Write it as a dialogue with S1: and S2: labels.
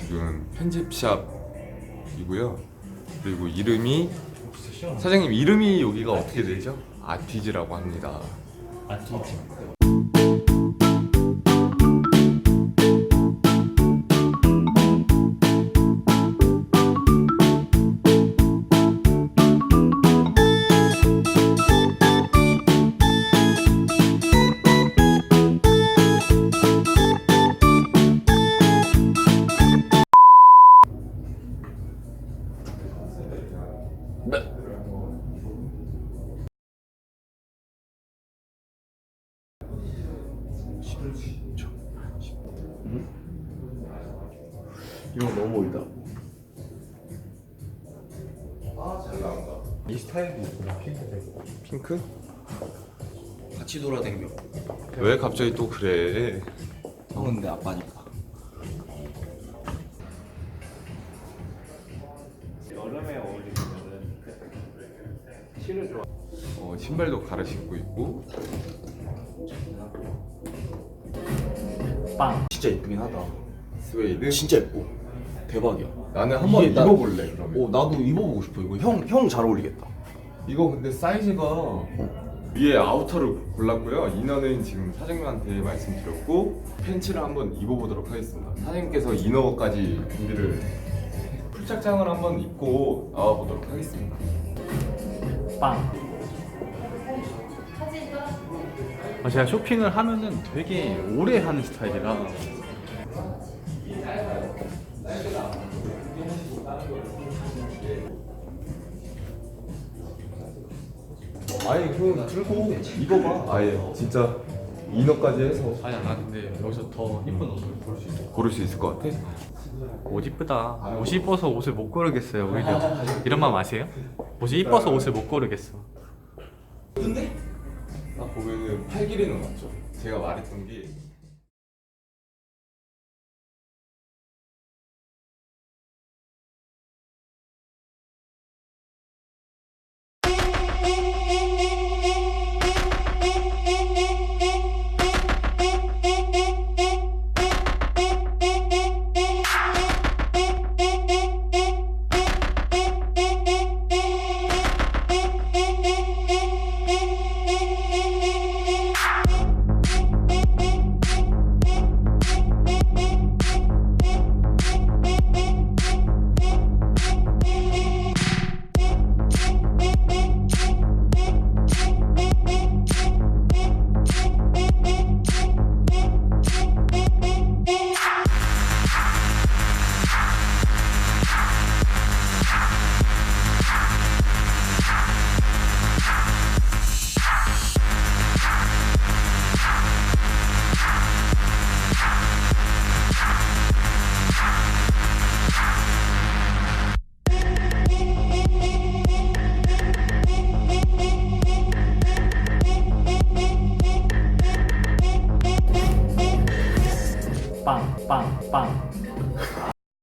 S1: 지금 편집샵이고요. 그리고 이름이 사장님 이름이 여기가 어떻게 되죠? 아티즈라고 합니다.
S2: 아티즈.
S3: 이거 너무 보이다.
S1: 잘 나온다.
S2: 이 스타일이 있구나. 핑크색.
S1: 핑크?
S3: 같이 돌아다녀.
S1: 왜 갑자기 또 그래?
S3: 형은 내 아빠니까.
S2: 여름에 어울리면은 실을 좋아.
S1: 신발도 갈아 신고 있고.
S2: 빵.
S3: 진짜 이쁘긴 하다.
S1: 스웨이드.
S3: 진짜 이뻐. 대박이야.
S1: 나는 한번
S3: 이게 나-
S1: 입어볼래 그러면.
S3: 나도 입어보고 싶어. 이거 형 잘 어울리겠다.
S1: 이거 근데 사이즈가 위에 아우터를 골랐고요. 이너는 지금 사장님한테 말씀드렸고 팬츠를 한번 입어보도록 하겠습니다. 사장님께서 이너까지 준비를 풀착장을 한번 입고 나와보도록 하겠습니다.
S2: 빵. 제가 쇼핑을 하면은 되게 오래 하는 스타일이라
S1: 아예 형 들고 입어봐. 아예 진짜 이너까지 해서
S2: 아니야 나 근데 여기서 더 이쁜 옷을 볼 수 있어.
S1: 고를 수 있을 것 같아?
S2: 옷 이쁘다. 옷이 이뻐서 옷을 못 고르겠어요. 오히려 이런 마음 아세요? 옷이 이뻐서 옷을 못 고르겠어.
S1: 딱 보면은 팔 길이는 맞죠? 제가 말했던 게